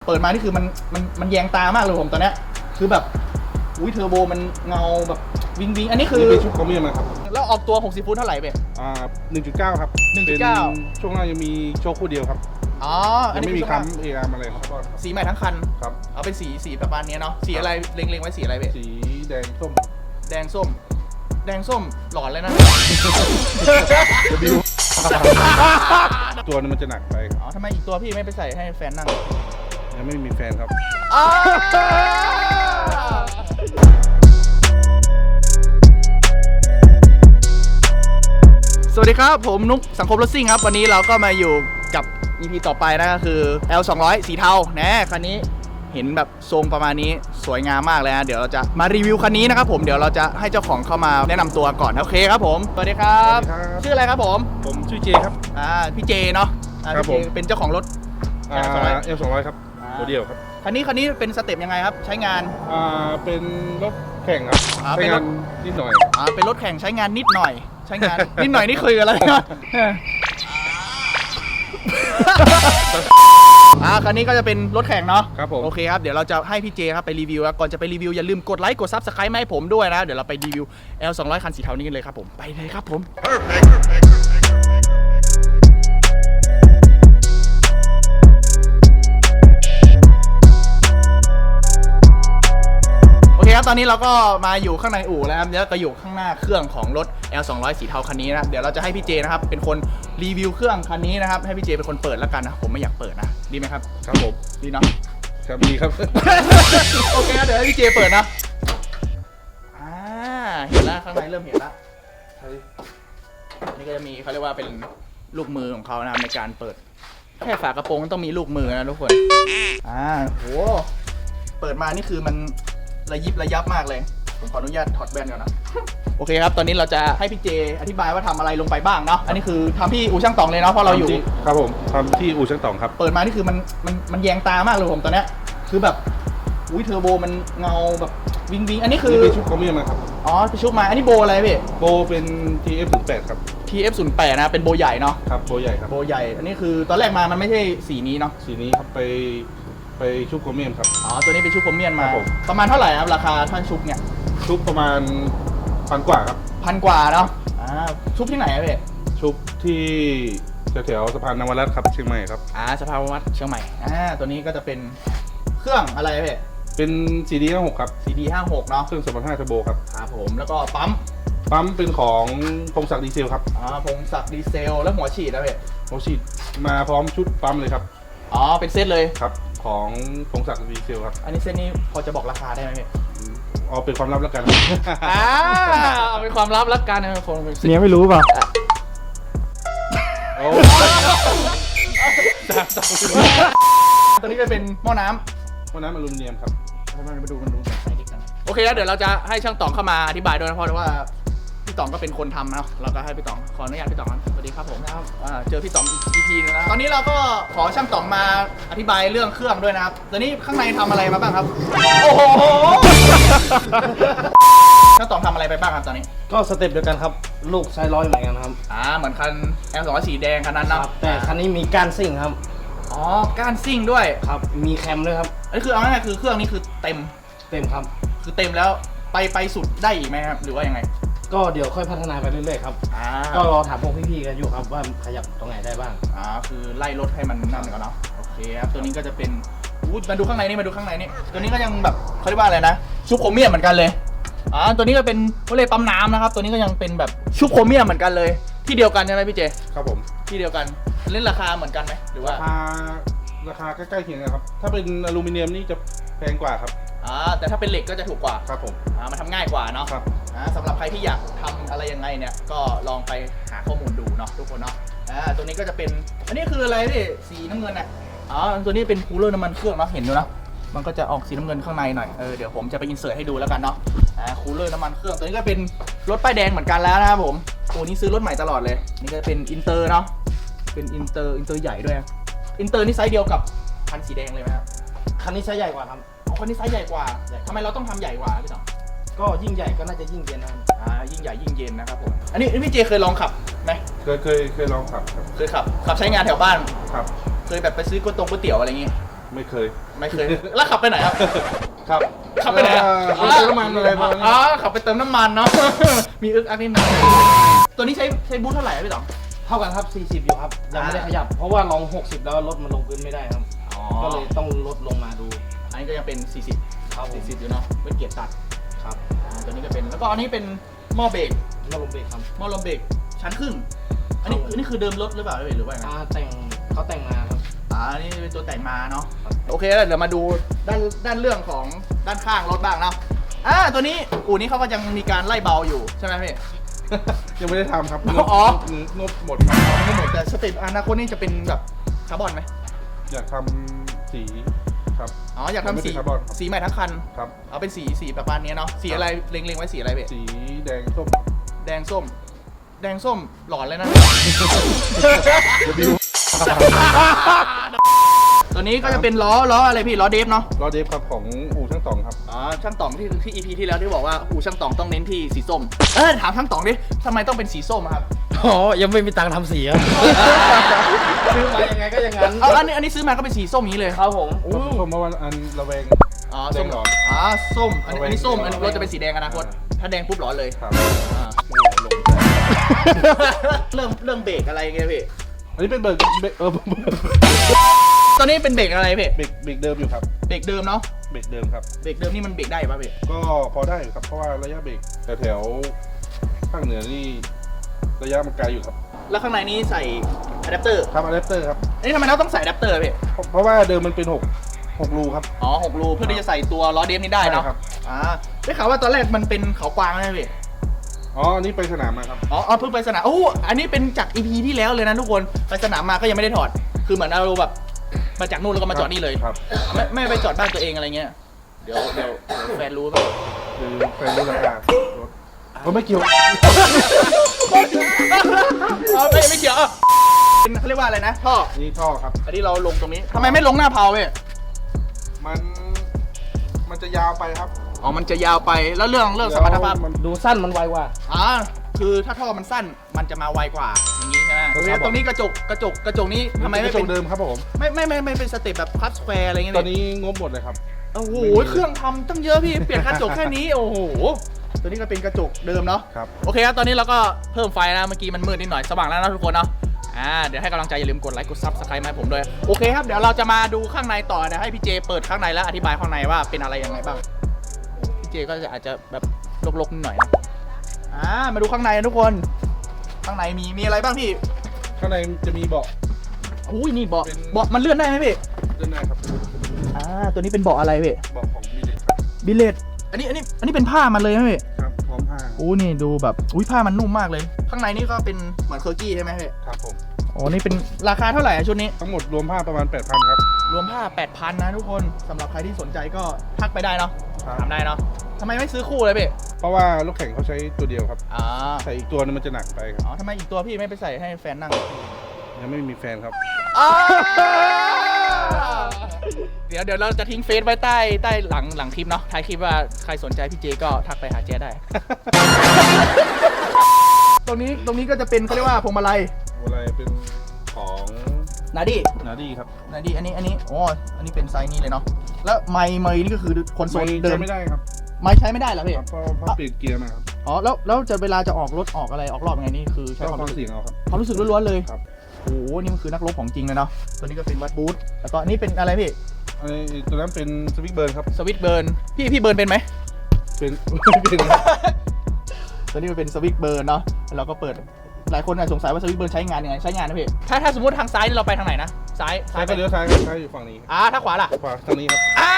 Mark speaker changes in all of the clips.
Speaker 1: เปิดมานี่คือมันแยงตามากเลยผมตอนเนี้ยคือแบบอุ้ยเทอร์โบมันเงาแบบวิงอันนี้คือ
Speaker 2: เป็นชุดคอมเมียมนะครับ
Speaker 1: แล้วออกตัว60 ฟุตเท่าไหร่เบ๊
Speaker 2: 1.9 ครับ
Speaker 1: 1.9
Speaker 2: ช่วงหน้ายังมีโชคคู่เดียวครับ
Speaker 1: อ๋ออัน
Speaker 2: ยัง
Speaker 1: นี้
Speaker 2: ไม่มีคัมเออาร์อะไรครับ
Speaker 1: สีใหม่ทั้งคัน
Speaker 2: ครับ
Speaker 1: เอาเป็นสีประมาณนี้เนาะสีอะไรเล็งไว้สีอะไรเบ๊
Speaker 2: สีแดงส้ม
Speaker 1: แดงส้มหลอนเลยนะ
Speaker 2: ตัวนึงมันจะหนักไป
Speaker 1: อ๋อทำไมอีกตัวพี่ไม่ไปใส่ให้แฟนนั่ง
Speaker 2: ยังไม่มีแฟนครับ
Speaker 1: สวัสดีครับผมนุ๊กสังคมรถซิ่งครับวันนี้เราก็มาอยู่กับ EP ต่อไปนะก็คือ L200 สีเทานะคันนี้เห็นแบบทรงประมาณนี้สวยงามมากเลยนะเดี๋ยวเราจะมารีวิวคันนี้นะครับผมเดี๋ยวเราจะให้เจ้าของเข้ามาแนะนำตัวก่อนโอเคครับผมสวัสดีครับชื่ออะไรครับผม
Speaker 2: ชื่อเจครับ
Speaker 1: พี่เจเนาะ
Speaker 2: ครับผม
Speaker 1: เป็นเจ้าของรถ
Speaker 2: L200 ครับตัวเดียวครับ
Speaker 1: คันนี้เป็นสเต็ปยังไงครับใช้งาน
Speaker 2: เป็นรถแข่งครับใช้งานนิดหน่อย
Speaker 1: เป็นรถแข่งใช้งานนิดหน่อยใช้งานนิดหน่อยนี่คืออะไรนะคันนี้ก็จะเป็นรถแข่งเนาะ
Speaker 2: ครับผม
Speaker 1: โอเคครับเดี๋ยวเราจะให้พี่เจครับไปรีวิวแล้วก่อนจะไปรีวิวอย่าลืมกดไลค์กด Subscribe มาให้ผมด้วยนะเดี๋ยวเราไปรีวิว L200 คันสีเทานี้กันเลยครับผมไปเลยครับผมโอเคครับตอนนี้เราก็มาอยู่ข้างในอู่แล้วครับแล้วก็อยู่ข้างหน้าเครื่องของรถ L200 สีเทาคันนี้นะเดี๋ยวเราจะให้พี่เจนะครับเป็นคนรีวิวเครื่องคันนี้นะครับให้พี่เจเป็นคนเปิดแล้วกันนะผมไม่อยากเปิดนะดีไหมครับ
Speaker 2: ครับผม
Speaker 1: ดีเนาะ
Speaker 2: ครับดีครับ
Speaker 1: โอเคเดี๋ยวให้พี่เจเปิดนะเห็นแล้วข้างในเริ่มเห็นแล้วนี่ก็จะมีเขาเรียกว่าเป็นลูกมือของเขานะในการเปิดแค่ฝากระโปรงต้องมีลูกมือนะทุกคนโหเปิดมานี่คือมันระยิบระยับมากเลยผมขออนุญาตถอดแว่นก่อนนะโอเคครับตอนนี้เราจะให้พี่เจอธิบายว่าทำอะไรลงไปบ้างเนาะอันนี้คือทำที่อู่ช่างตองเลยเนาะเพราะเราอยู่
Speaker 2: ครับผมทำที่อู่ช่างตองครับ
Speaker 1: เปิดมานี่คือมันแยงตามากเลยผมตอนเนี้ยคือแบบอุ้ยเทอร์โบมันเงาแบบวิงอันนี้คือ
Speaker 2: เป็นชุดคอมเมียมนะครับ
Speaker 1: ไปชุบมาอันนี้โบอะไรพี่
Speaker 2: โบเป็น TF08 ครับ
Speaker 1: TF08 นะเป็นโบใหญ่เนาะ
Speaker 2: ครับโบใหญ่ครับ
Speaker 1: โบใหญ่อันนี้คือตอนแรกมามันไม่ใช่สีนี้เนาะ
Speaker 2: สีนี้ครับไปชุบคอมเมียมครับ
Speaker 1: ตัวนี้เป็นชุบคอมเมียมมาประมาณเท่าไหร่ครับราคาท่านชุบเนี่ย
Speaker 2: ชุบประมาณ1,000 กว่าครับ
Speaker 1: 1,000 กว่าเนาะชุบที่ไหนครับพี่
Speaker 2: ชุบที่แถวสะพานนวรัตน์ครับเชียงใหม่ครับ
Speaker 1: สะพานนวรัตน์เชียงใหม่ตัวนี้ก็จะเป็นเครื่องอะไรพี่
Speaker 2: เป็น CD56 ครับ
Speaker 1: CD56 เนาะ
Speaker 2: เครื่อง2.5เทอร์โบครับ
Speaker 1: ครับผมแล้วก็ปั๊ม
Speaker 2: เป็นของพงศักดิ์ดีเซลครับ
Speaker 1: พงศักดิ์ดีเซลแล้วหัวฉีดนะพี่
Speaker 2: หัวฉีดมาพร้อมชุดปั๊มเลยครับ
Speaker 1: เป็นเซตเลย
Speaker 2: ครับของพงศักดิ์ดีเซลครับ
Speaker 1: อันนี้เซตนี้พอจะบอกราคาได้ไหมพี่
Speaker 2: เป็นความลับแล้วกัน
Speaker 1: เอาเป็นความลับแล้วกันนะคน
Speaker 3: เนี่ยไม่รู้ป่ะ
Speaker 1: ตัวนี้ก็เป็นหม้อน้ำ
Speaker 2: อลูมิเนียมครับ
Speaker 1: มาดูโอเคแล้วเดี๋ยวเราจะให้ช่างต๋องเข้ามาอธิบายด้วยนะเพราะว่าพี่ต๋องก็เป็นคนทำนะเราก็ให้พี่ต๋องขออนุญาตพี่ต๋องสวัสดีครับผมนะครับเจอพี่ต๋องอีกทีนึงแล้วตอนนี้เราก็ขอช่างต๋องมาอธิบายเรื่องเครื่องด้วยนะครับตอนนี้ข้างในทำอะไรมาบ้างครับโอ้โหช่างต๋องทำอะไรไปบ้างครับตอนนี้
Speaker 3: ก็สเต็ปเดียวกันครับลูกไซร้อยเหมือนกันครับ
Speaker 1: เหมือนคัน L200 สีแดงคันนั้นนะ
Speaker 3: แต่คันนี้มีก้านซิ่งครับ
Speaker 1: ก้านซิ่งด้วย
Speaker 3: ครับมีแคมด้วยครับ
Speaker 1: อันนี้คือเอาง่ายๆคือเครื่องนี้คือเต็ม
Speaker 3: ครับ
Speaker 1: คือเต็มแล้วไปสุดได้อีกไหมครับหรือว่ายังไง
Speaker 3: ก็เดี๋ยวค่อยพัฒนาไปเรื่อยๆครับก็รอถามพวกพี่ๆกันอยู่ครับว่าขยับตรงไหนได้บ้าง
Speaker 1: คือไล่รถให้มันนั่นก่อนเนาะโอเคครับตัวนี้ก็จะเป็นมาดูข้างในนี่ตัวนี้ก็ยังแบบเขาเรียกว่าอะไรนะชุบโครเมียมเหมือนกันเลยตัวนี้ก็เป็นเขาเรียกปั๊มน้ำนะครับตัวนี้ก็ยังเป็นแบบชุบโครเมียมเหมือนกันเลยที่เดียวกันใช่ไหมพี่เจ
Speaker 2: ครับผม
Speaker 1: ที่เดียวกันเล่นราคาเหมือนกันไหมหรือว่า
Speaker 2: ราคาใกล้ๆเคียงกันครับถ้าเป็นอลูมิเนียมนี่จะแพงกว่าครับ
Speaker 1: แต่ถ้าเป็นเหล็กก็จะถูกกว่า
Speaker 2: ครับผม
Speaker 1: มันทำง่ายกว่าเนาะ
Speaker 2: ครับ
Speaker 1: สำหรับใครที่อยากทำอะไรยังไงเนี่ยก็ลองไปหาข้อมูลดูเนาะทุกคนเนาะตัวนี้ก็จะเป็นอันนี้คืออะไรพี่สีน้ำเงินตัวนี้เป็นคูลเลอร์น้ำมันเครื่องเนาะเห็นดูนะมันก็จะออกสีน้ำเงินข้างในหน่อยเดี๋ยวผมจะไปอินเสิร์ตให้ดูแล้วกันเนาะคูลเลอร์น้ำมันเครื่องตัวนี้ก็เป็นรถป้ายแดงเหมือนกันแล้วนะครับผมตัวนี้ซื้อรถใหม่ตลอดเลยนี่ก็เป็นอินเตอร์เนาะเป็นอินเตอร์ใหญ่ด้วยอินเตอร์นี่ไซส์เดียวกับคันสีแดงเลยไหมครับ
Speaker 3: คันนี้ไซส์ใหญ่กว่าครับ
Speaker 1: คันนี้ไซส์ใหญ่กว่าทำไมเราต้องทำใหญ่กว่าพี่ต๋อง
Speaker 3: ก็ยิ่งใหญ่ก็น่าจะยิ่งเย็นนะครับ
Speaker 1: ยิ่งใหญ่ยิ่งเย็นนะครับผมอันนี้พี่เจเคยลองขับไหม
Speaker 2: เคยลองขับครับ
Speaker 1: เคยขับใช้งานแถวบ้าน
Speaker 2: ครับ
Speaker 1: เคยแบบไปซื้อก๋วยเตี๋ยวอะไรอย่างงี้
Speaker 2: ไม่เคย
Speaker 1: ไม่เคย แล้วขับไปไหนครับ
Speaker 2: ครับ
Speaker 1: ขับไปไหนอะ
Speaker 2: ไปเติมน้ำมันอะไรประมาณนี้
Speaker 1: อ๋อขับไปเติมน้ำมันเนาะ มีอึกอักนิดหนึงตัวนี้ใช้บูทเท่าไหร่อะพี่ต๋อง
Speaker 3: เท่ากันครับ 40 อยู่ครับยังไม่ได้ขยับ เพราะว่าลอง 60 แล้วรถมันลงพื้นไม่ได้ครับ
Speaker 1: อ๋อ
Speaker 3: ก็เลยต้องลดลงมาดู
Speaker 1: อันนี้ก็ยังเป็น 40
Speaker 3: ครับผม
Speaker 1: 40อยู่เนาะเป็นเกียร์ตัด
Speaker 3: ครับ
Speaker 1: ตัวนี้ก็เป็น แล้วก็อันนี้เป็นหม้อเบรก
Speaker 3: มาลงเบรกครับ
Speaker 1: หม้อลมเบรกชั้นครึ่ง อันนี้
Speaker 3: ครับผม
Speaker 1: อันนี้คือเดิมรถหรือเปล่าหรือว่าไง
Speaker 3: เขาแต่งมาครับ
Speaker 1: อันนี้เป็นตัวแต่งมาเนาะ
Speaker 3: ครับ
Speaker 1: โอเคแล้วเดี๋ยวมาดูด้านเรื่องของด้านข้างรถบ้างเนาะตัวนี้อู่นี้เขาก็ยังมีการไล่เบาอยู่ใช่ไหมพี่
Speaker 2: ยังไม่ได้ทำครับ
Speaker 1: อ๋อ
Speaker 2: งบหมดครับ
Speaker 1: ไม่หมดแต่สเต็ปอนาคตนี่จะเป็นแบบคาร์บอนไหม
Speaker 2: อยากทำสีครับ
Speaker 1: อ๋ออยากทำสี
Speaker 2: ไม่เป็นคาร์บอนครับ
Speaker 1: สีใหม่ทั้งคัน
Speaker 2: ครับ
Speaker 1: เอาเป็นสีประมาณนี้เนาะ สีอะไรเล็งไว้สีอะไรพี่
Speaker 2: สีแดงส้ม
Speaker 1: แดงส้ม แดงส้มหลอนเลยนะ ตัวนี้ก็จะเป็นล้ออะไรพี่ล้อเดฟเนาะ
Speaker 2: ล้อเดฟครับของอู่ช่างต่องครับ
Speaker 1: อ๋อช่างต๋องที่ EP ที่แล้วที่บอกว่าอู่ช่างต๋องต้องเน้นที่สีส้มถามช่างต๋องดิทำไมต้องเป็นสีส้มอะครับ
Speaker 3: อ๋อ ยังไม่มีตังค์ทำสีครับ ซื้อมายังไงก็อย่างนั้น
Speaker 1: อันนี้ซื้อมาก็เป็นสีส้มอย่างนี้เลย
Speaker 3: ครับผม
Speaker 2: ส้มเมื่อวันอันระแวง
Speaker 1: อ๋อ
Speaker 2: แด
Speaker 1: ส้
Speaker 2: ง
Speaker 1: ม
Speaker 2: หลอน
Speaker 1: อ๋อส้มอันนี้ส้ม
Speaker 2: ระแวง
Speaker 1: อันนี้รถจะเป็นสีแดงอนาคตถ้าแดงปุ๊บหลอนเลย
Speaker 2: ครับ
Speaker 1: อ่า
Speaker 2: ลง
Speaker 1: เรื่องเบรกอะไรเงี้ยพี่
Speaker 2: อันนี้เป็นเบรก
Speaker 1: ตอนนี้เป็นเบรกอะไรพี่
Speaker 2: เบรกเดิมอยู่ครับ
Speaker 1: เบรกเดิมเนาะ
Speaker 2: เบรกเดิมครับ
Speaker 1: เบรกเดิมนี่มันเบรกได้ป่ะพี่
Speaker 2: ก็พอได้อยู่ครับเพราะว่าระยะเบรกแถวภาคเหนือนี่ระยะมันไกลอยู่ครับ
Speaker 1: แล้วข้างในนี้ใส่อะแดปเตอร์
Speaker 2: ครับอะแดปเตอร์ครับ
Speaker 1: อันนี้ทำไมเราต้องใส่อะแดปเตอร์พี่
Speaker 2: เพราะว่าเดิมมันเป็น6รูครับ
Speaker 1: อ๋อ6 รูเพื่อที่จะใส่ตัวล้อเดฟนี้ได้เนาะ
Speaker 2: ใช่ครับ
Speaker 1: ได้ข่าวว่าตอนแรกมันเป็นเขากวางใช่ไหมพี่
Speaker 2: อ๋ออันนี้ไปสนามมาครับ
Speaker 1: อ๋อเพิ่งไปสนามอันนี้เป็นจาก EP ที่แล้วเลยนะทุกคนไปสนามมาก็ยังไม่ได้ถอดคือเหมือนเราแบบมาจากนู่นแล้วก็มาจอดนี่เลย
Speaker 2: ครับ
Speaker 1: ไม่ไปจอดบ้านตัวเองอะไรเงี้ยเดี๋ยวแฟนรู้ป่ะ
Speaker 2: คือแฟนรู้ราคารถก็ไม่เกี่ยว
Speaker 1: ไม่เกี่ยวเป็นเขาเรียกว่าอะไรนะท่อ
Speaker 2: นี่ท่อครับ
Speaker 1: อันนี้เราลงตรงนี้ทำไมไม่ลงหน้าเพลาเว้ย
Speaker 2: มันจะยาวไปครับ
Speaker 1: อ๋อมันจะยาวไปแล้วเรื่องสมรรถภาพ
Speaker 2: มัน
Speaker 3: ดูสั้นมันไวกว่า
Speaker 1: คือถ้าท่อมันสั้นมันจะมาไวกว่าอย่างนี้ใช่ไหม
Speaker 2: ครับ
Speaker 1: ตรงนี้กระจกนี้ทำไมไม่
Speaker 2: กระจ
Speaker 1: เป็
Speaker 2: ก
Speaker 1: น
Speaker 2: เดิมครับผม
Speaker 1: ไม่เป็นสเต็ปแบบคัสสแควร์อะไรเงี้ย
Speaker 2: ตอนนี้งบหมดเลยครับ
Speaker 1: โอ้โหเครื่องทำตั้งเยอะพี่เปลี่ยนกระจกแค่นี้โอ้โหตัวนี้ก็เป็นกระจกเดิมเนาะ
Speaker 2: ครับ
Speaker 1: โอเคครับตอนนี้เราก็เพิ่มไฟนะเมื่อกี้มันมืดนิดหน่อยสว่างแล้วนะทุกคนเนาะเดี๋ยวให้กำลังใจอย่าลืมกดไลค์กดซับสไครต์มาให้ผมด้วยโอเคครับเดี๋ยวเราจะมาดูข้างในต่อเดี๋ยวให้พี่เจเปิดข้างในแล้วอธิบายข้างในว่าเป็นอะไรยังไงบ้างพี่เจก็จะอาจจะแบบลกๆนิดหน่อยนะมาดูข้างในนะทุกคนข้างในมีอะไรบ้างพี่
Speaker 2: ข้างในจะมีเบาะ
Speaker 1: อุ้ยนี่เบาะ
Speaker 2: เป็น
Speaker 1: เบาะมันเลื่อนได้ไหมพี่
Speaker 2: ด้านในครับ
Speaker 1: ตัวนี้เป็นเบาะอะไรพี่
Speaker 2: เบาะของมิเลตครับ
Speaker 1: บิลเลตอันนี้เป็นผ้ามันเลยไหมพี่
Speaker 2: ครับพร้อมผ้า
Speaker 1: นี่ดูแบบผ้ามันนุ่มมากเลย ข้างในนี่ก็เป็นเหมือนเคอร์กี้ใช่ไหมพี่
Speaker 2: ครับผม
Speaker 1: นี่เป็นราคาเท่าไหร่ชุดนี้
Speaker 2: ทั้งหมดรวมผ้าประมาณ 8,000 ครับ
Speaker 1: รวมผ้า 8,000 นะทุกคนสำหรับใครที่สนใจก็ทักไปได้เนาะ
Speaker 2: ครับ
Speaker 1: ถามได้เนาะทำไมไม่ซื้อคู่เลยพี่
Speaker 2: เพราะว่ารถแข่งเขาใช้ตัวเดียวครับ
Speaker 1: อ๋อ
Speaker 2: ใส่อีกตัวนึงมันจะหนักไปครับ
Speaker 1: ทำไมอีกตัวพี่ไม่ไปใส่ให้แฟนนั่ง
Speaker 2: ยังไม่มีแฟนครับ
Speaker 1: เดี๋ยวเราจะทิ้งเฟซไว้ใต้หลังคลิปเนาะท้ายคลิปว่าใครสนใจพี่เจก็ทักไปหาเจได้ ตรงนี้ก็จะเป็นเขาเรียกว่าพวงมาลัย
Speaker 2: อะไรเป็นของ
Speaker 1: นาดี้
Speaker 2: นาดี้ครับ
Speaker 1: นาดี้อันนี้อันนี้เป็นไซส์นี้เลยเนาะแล้วไมค์นี่ก็คือคอนโซลเดิม
Speaker 2: ใช้ไม่ได้ครับ
Speaker 1: ไมค์ใช้ไม่ได้เหรอพี่
Speaker 2: ครับเพราะเปลี่ยนเกียร์มาครับ
Speaker 1: แล้วจะเวลาจะออกรถออกอะไรออกรอบยังไงนี่คือใช้
Speaker 2: ก็
Speaker 1: ความ
Speaker 2: ฟัง
Speaker 1: รู้สึก
Speaker 2: เสียงเอาครับ
Speaker 1: ความรู้สึกล้วนๆเลย
Speaker 2: ครับ
Speaker 1: โอ้โหนี่มันคือนักรบของจริงเลยเนาะตัวนี้ก็เป็นวัดบูทแล้วก็นี่เป็นอะไรพี่
Speaker 2: ไอ้ตัวนั้นเป็นสวิตช์เบิร์นครับ
Speaker 1: สวิตช์เบิร์นพี่เบิร์นเป็นไหม
Speaker 2: เป็น
Speaker 1: ตัวนี้มันเป็นสวิตช์เบิร์นเนาะเราก็เปิดหลายคนอาจสงสัยว่าสวิตช์เบิร์นใช้งานยังไงใช้งานนะพี่ถ้าสมมติทางซ้ายนี่เราไปทางไหนนะซ้าย
Speaker 2: ซ้ายก็เลี้ยวซ้ายครับซ้ายอยู่ฝั่งนี้
Speaker 1: ถ้าขวาล่ะ
Speaker 2: ขวาทางนี้ครับ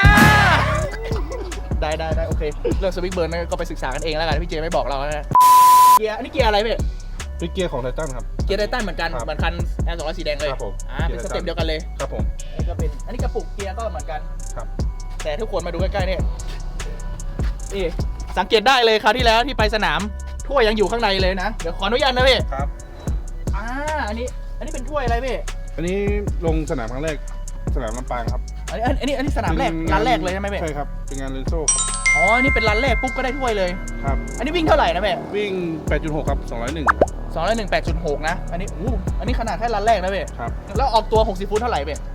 Speaker 1: ได้โอเคเรื่องสวิตช์เบิร์นก็ไปศึกษากันเองแล้วกันพี่เจไม่บอกเราแล้วนะเกียร์อันนี้เกียร์อะไรพี่
Speaker 2: เป็นเกียร์ของไททันครับ
Speaker 1: เกียร์ไททันเหมือนกัน
Speaker 2: ครับ
Speaker 1: เหมือนคันR200สีแดงเลย
Speaker 2: ครับผม
Speaker 1: เป็นสเต็ปเดียวกันเลย
Speaker 2: ครับผม
Speaker 1: อันนี้ก็เป็นอันนี้กระปุกเกียร์ก็เหมือนกัน
Speaker 2: ครับ
Speaker 1: แต่ทุกคนมาดูใกล้ๆเนี่ยนี่สังเกตได้เลยคราวที่แล้วที่ไปสนามถ้วยยังอยู่ข้างในเลยนะเดี๋ยวขออนุญาตนะพี่
Speaker 2: ครับ
Speaker 1: อันนี้เป็นถ้วยอะไรพี่
Speaker 2: อันนี้ลงสนามครั้งแรกสนามลำปางครับ
Speaker 1: อันนี้สนามแรก
Speaker 2: เป็น
Speaker 1: ร้านแรกเลยใช่ไหมพี่
Speaker 2: ใช่ครับเป็นงานเรนโซ่ครับ
Speaker 1: อันนี้เป็นร้านแรกปุ๊บก็ได้ถ้วยเลย
Speaker 2: ครับ
Speaker 1: อันนี้วิ่งเท่าไหร่นะพี่
Speaker 2: วิ่ง 8.6 ครับ 201
Speaker 1: 201 8.6 นะอันนี้อันนี้ขนาดแค่รันแรกนะเว้ย
Speaker 2: ครับ
Speaker 1: แล้วออกตัว60ฟุตเท่าไหร่เว้ย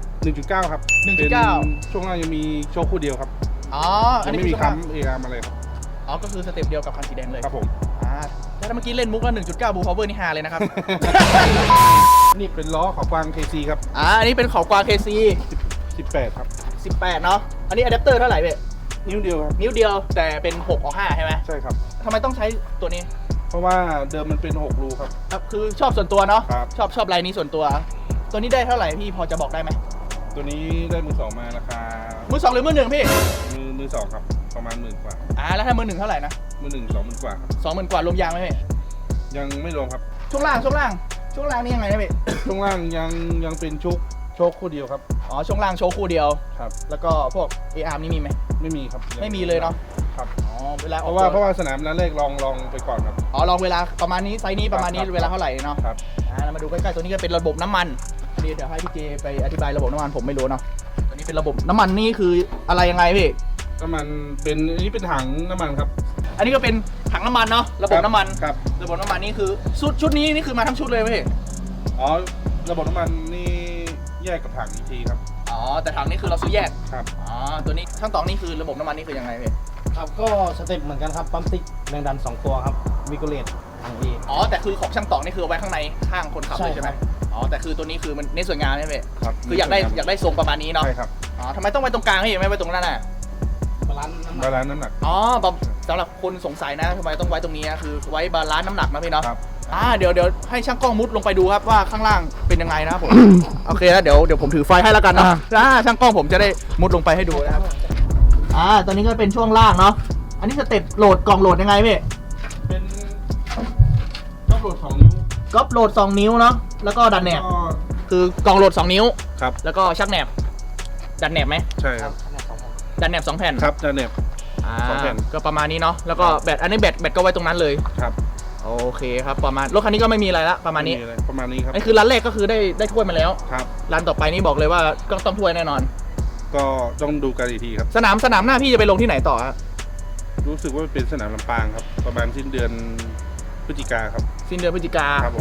Speaker 2: 1.9 ครับ
Speaker 1: 1.9
Speaker 2: เป็นช่วงล่างยังมีโชคคู่เดียวครับ
Speaker 1: อ๋ออั
Speaker 2: ยั
Speaker 1: น
Speaker 2: ง
Speaker 1: นี้
Speaker 2: ไม่มี
Speaker 1: คือช่วงล่าง
Speaker 2: ค้ำ AR อะไรครับ
Speaker 1: อ๋อก็คือสเต็ปเดียวกับคันสีแดงเลย
Speaker 2: ครับผม
Speaker 1: ถ้าเมื่อกี้เล่นมุกว่า 1.9 บูพาวเวอร์นี่ฮาเลยนะครับ
Speaker 2: นี่เป็นล้อขอบกวาง KC ครับ
Speaker 1: อันนี้เป็นเขากวาง KC
Speaker 2: 18 ครับ
Speaker 1: 18 เนาะอันนี้อะแดปเตอร์เท่าไหร่เว้ย
Speaker 2: นิ้วเดียวครับ
Speaker 1: นิ้วเดียวแต่เป็น6ออก5ใช่ไหม
Speaker 2: ใช่ครับ
Speaker 1: ทำไมต้องใช้ตัวนี้
Speaker 2: เพราะว่าเดิมมันเป็น6รูครับ
Speaker 1: ครับคือชอบส่วนตัวเนาะ
Speaker 2: ครับ
Speaker 1: ชอบลายนี้ส่วนตัว ตัวนี้ได้เท่าไหร่พี่พอจะบอกได้ไหม
Speaker 2: ตัวนี้ได้มือสองมาราคา
Speaker 1: มือสองหรือมือหนึ่งพี่
Speaker 2: มือสองครับ ประมาณ10,000 กว่า
Speaker 1: แล้วถ้ามือหนึ่งเท่าไหร่นะ
Speaker 2: มือหนึ่ง20,000 กว่าครับ
Speaker 1: 20,000 กว่ารวมยางไหมพี่
Speaker 2: ยังไม่รวมครับ
Speaker 1: ช่วงล่างนี่ยังไงนะพี่
Speaker 2: ช่วงล่างยังเป็นโชคคู่เดียวครับ
Speaker 1: อ๋อช่วงล่างโชว์คู่เดียว
Speaker 2: ครับ
Speaker 1: แล้วก็พวก AR นี่มีไหม
Speaker 2: ไม่มีครับ
Speaker 1: ไม่มีเลยเนาะ
Speaker 2: ครับ
Speaker 1: อ๋อเวลาอ
Speaker 2: เพ
Speaker 1: อก
Speaker 2: ราะ
Speaker 1: ตัว
Speaker 2: ว่าสนามนั้นแรกลองไปก่อนครับ
Speaker 1: อ๋อลองเวลาประมาณนี้ไซส์นี้ประมาณนี้
Speaker 2: ครับ
Speaker 1: เวลาเท่าไหร่เนาะ
Speaker 2: ครับ
Speaker 1: แล้วมาดูใกล้ๆตัวนี้ก็เป็นระบบน้ำมันนี่เดี๋ยวให้พี่เจไปอธิบายระบบน้ำมันผมไม่รู้เนาะตัวนี้เป็นระบบน้ำมันนี่คืออะไรยังไงพี่
Speaker 2: น้ำมันเป็นอันนี้เป็นถังน้ำมันครับ
Speaker 1: อันนี้ก็เป็นถังน้ำมันเนาะระบบน้ำมัน
Speaker 2: ครับ
Speaker 1: ระบบน้ำมันนี่คือชุดนี้นี่คือมาทั้งชุดเลยไหมพี่
Speaker 2: อ๋อระบบน้ำมันนี่แยกกับถังอีกทีครับ
Speaker 1: อ๋อแต่ถังนี่คือเราซื้อแยก
Speaker 2: ครับ
Speaker 1: อ๋อตัวนี้ทั้งสองนี่คือระบบน้ำมันนี่คือยังไงพี่
Speaker 3: ครับก็สเต็ปเหมือนกันครับปั๊มติ๊กแรงดัน 2 ตัวครับวิโกเลตถังเอ
Speaker 1: อ๋อแต่คือของช่างตองนี่คือเอาไว้ข้างในข้างคนขับเลย
Speaker 3: ใช่
Speaker 1: ใช่ไหม
Speaker 3: ครับ
Speaker 1: อ๋อแต่คือตัวนี้คือมันเน้นสวยงามใช่ไหมพี่
Speaker 2: ครับ
Speaker 1: คืออยากได้ทรงประมาณนี้เนาะ
Speaker 2: ใช่ครับ
Speaker 1: อ๋อทำไมต้องไว้ตรงกลางพี่ไม่ไว้ตรงนั้นน่ะ
Speaker 3: บาลานซ์น้ำหนั
Speaker 2: บาก ลานซ์น้ำหนัก
Speaker 1: อ๋อสำหรับคนสงสัยนะทำไมต้องไว้ตรงนี้นะคือไว้บาลานซ์น้ำหนักนะพี่เนาะ
Speaker 2: ครับ
Speaker 1: เดี๋ยวให้ช่างกล้องมุดลงไปดูครับว่าข้างล่างเป็นยังไงนะครับผม โอเคแล้วเดี๋ยวผมถือไฟให้แล้วกันเนาะช่างกล้องผมจะได้มุดลงไปให้ดูนะครับตอนนี้ก็เป็นช่วงล่างเนาะอันนี้สเต็ปโหลดกล่องโหลดยังไงพี่
Speaker 2: เป็นต้องโหลด2 นิ้ว
Speaker 1: ก็โหลด2 นิ้วเนาะแล้วก็ดันแหนบ
Speaker 2: ก็
Speaker 1: คือกล่องโหลด2 นิ้ว
Speaker 2: ครับ
Speaker 1: แล้วก็ชักแหนบดันแหนบไหม
Speaker 2: ใช่ครับ
Speaker 1: ดันแหนบ2 แผ่น
Speaker 2: ครับจะเน็บ สองแผ่น
Speaker 1: ก็ประมาณนี้เนาะแล้วก็แบตอันนี้แบตก็ไว้ตรงนั้นเลย
Speaker 2: ครับ
Speaker 1: โอเคครับประมาณรถคันนี้ก็ไม่มีอะไรละประมาณนี้
Speaker 2: ไอประมาณนี้ครับ
Speaker 1: อันนี้คือร้านแรกก็คือได้ถ้วยมาแล้ว
Speaker 2: ครับ
Speaker 1: ร้านต่อไปนี่บอกเลยว่าก็ต้องถ้วยแน่นอน
Speaker 2: ก็ต้องดูกันอีกทีครับ
Speaker 1: สนามหน้าพี่จะไปลงที่ไหนต่อฮะ
Speaker 2: รู้สึกว่าเป็นสนามลำปางครับ ประมาณสิ้นเดือนพฤศจิกาครับ
Speaker 1: สิ้นเดือนพฤศจิกา
Speaker 2: ครับผม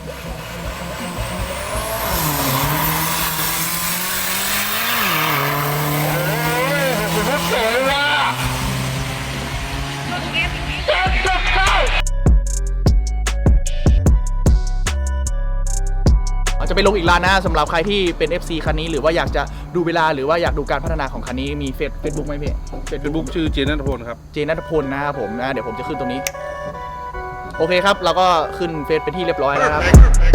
Speaker 1: จะไปลงอีกร้านนะสำหรับใครที่เป็น FC คันนี้หรือว่าอยากจะดูเวลาหรือว่าอยากดูการพัฒนาของคันนี้มีเฟซบุ๊กไหมพี่
Speaker 2: เป็นบุ๊กชื่อเจนนัทพลครับ
Speaker 1: เจนัทพลนะครับผมนะเดี๋ยวผมจะขึ้นตรงนี้ โอเคครับเราก็ขึ้นเฟซเป็นที่เรียบร้อยแล้วครับ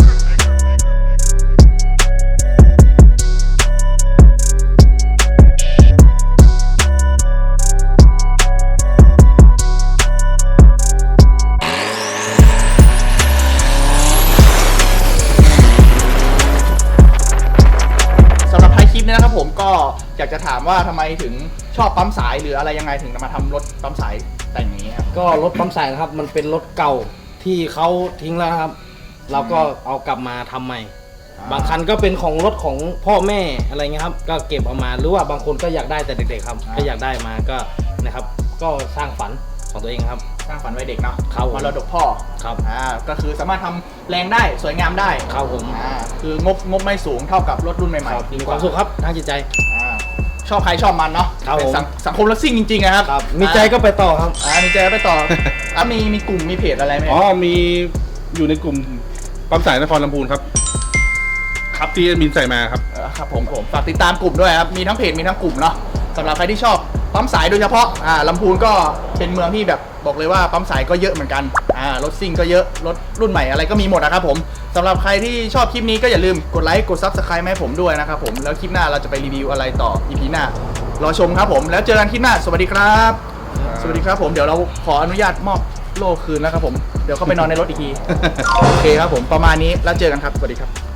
Speaker 1: สำหรับท้ายคลิปนี้นะครับผมก็อยากจะถามว่าทำไมถึงชอบปั๊มสายหรืออะไรยังไงถึงมาทำรถปั๊มสายแต่งอย่างนี้ครับ
Speaker 3: ก็รถปั๊มสายนะครับมันเป็นรถเก่าที่เขาทิ้งแล้วนะครับ เราก็เอากลับมาทำใหม่ บางคันก็เป็นของรถของพ่อแม่อะไรเงี้ยครับก็เก็บเอามาหรือว่าบางคนก็อยากได้แต่เด็กๆครับก็อยากได้มาก็นะครับก็สร้างฝันของตัวเองครับ
Speaker 1: สร้างฝันไว้เด็กเนาะ
Speaker 3: ครับผม
Speaker 1: มรดกพ่อ
Speaker 3: ครับ
Speaker 1: ก็คือสามารถทำแรงได้สวยงามได้
Speaker 3: ครับผม
Speaker 1: คืองบไม่สูงเท่ากับรถรุ่นใหม่ๆ
Speaker 3: มีความสุขครับทางจิตใจ
Speaker 1: ชอบใครชอบมันเนาะ
Speaker 3: ครับผม
Speaker 1: เป็นสังคมรถซิ่งจริงๆนะครับ
Speaker 3: มีใจก็ไปต่อครับ
Speaker 1: มีใจก็ไปต่อ มีกลุ่มมีเพจอะไรไหม
Speaker 2: อ๋อมีอยู่ในกลุ่มปั๊มสายนครลำพูนครับ ครับที่แอดมินใส่มาครับ
Speaker 1: ครับผมฝากติดตามกลุ่มด้วยครับมีทั้งเพจมีทั้งกลุ่มเนาะสำหรับใครที่ชอบปั๊มสายโดยเฉพาะลำพูนก็เป็นเมืองที่แบบบอกเลยว่าปั๊มสายก็เยอะเหมือนกันรถซิ่งก็เยอะรถรุ่นใหม่อะไรก็มีหมดนะครับผมสำหรับใครที่ชอบคลิปนี้ก็อย่าลืมกดไลค์กด Subscribe ให้ผมด้วยนะครับผมแล้วคลิปหน้าเราจะไปรีวิวอะไรต่อ EP หน้ารอชมครับผมแล้วเจอกันคลิปหน้าสวัสดีครับ สวัสดีครับผมเดี๋ยวเราขออนุญาตมอบโล่คืนนะครับผมเดี๋ยวเข้าไปนอนในรถอีกที โอเคครับผมประมาณนี้แล้วเจอกันครับสวัสดีครับ